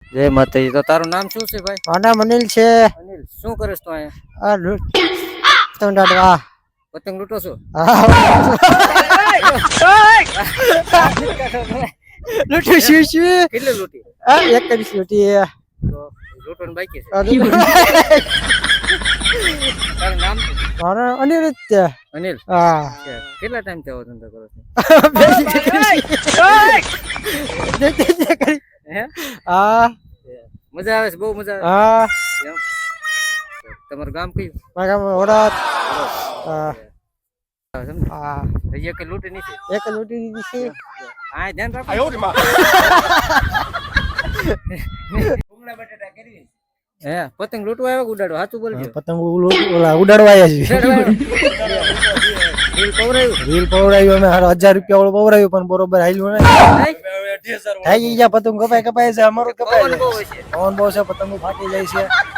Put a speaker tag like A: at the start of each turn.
A: જય માતાજી. તો તારું નામ શું છે ભાઈ?
B: મારું નામ અનિલ છે.
A: અનિલ, શું કરીશ તું અહીંયા?
B: આ પતંગ દાડવા.
A: પતંગ લૂંટો છો?
B: લૂંટી શું
A: કેટલી લૂંટી?
B: એક જ લૂંટી.
A: તો લૂંટવાનું બાકી છે. તારું નામ શું?
B: મારું અનિલ જ છે.
A: અનિલ.
B: હા.
A: કેટલા ટાઈમ થી આવો ધંધો કરો છો? હે?
B: હા.
A: મજા આવે છે? બહુ મજા આવે.
B: હા.
A: એમ? તમારું ગામ કયું?
B: મારા ગામ વડાત. હા. હા.
A: હજી એક લૂંટી નથી.
B: એક લૂંટી દીધી છે.
A: હા, ધ્યાન રાખો. હે, પતંગ લૂંટવા આવ્યા કે ઉડાડવા? સાચું બોલજો.
B: પતંગ ઉડાડવા આવ્યા છે.
A: રીલ પવરાયું?
B: રીલ પવડાવ્યું અમે 1000 રૂપિયા વાળું પવડાવ્યું પણ બરોબર હાલ્યું નહીં. થઈ ગયા પતંગ કપાય છે. અમારું કપાય
A: પવન
B: છે.
A: બહુ હશે.
B: પવન બહુ છે. પતંગ ફાટી જાય છે.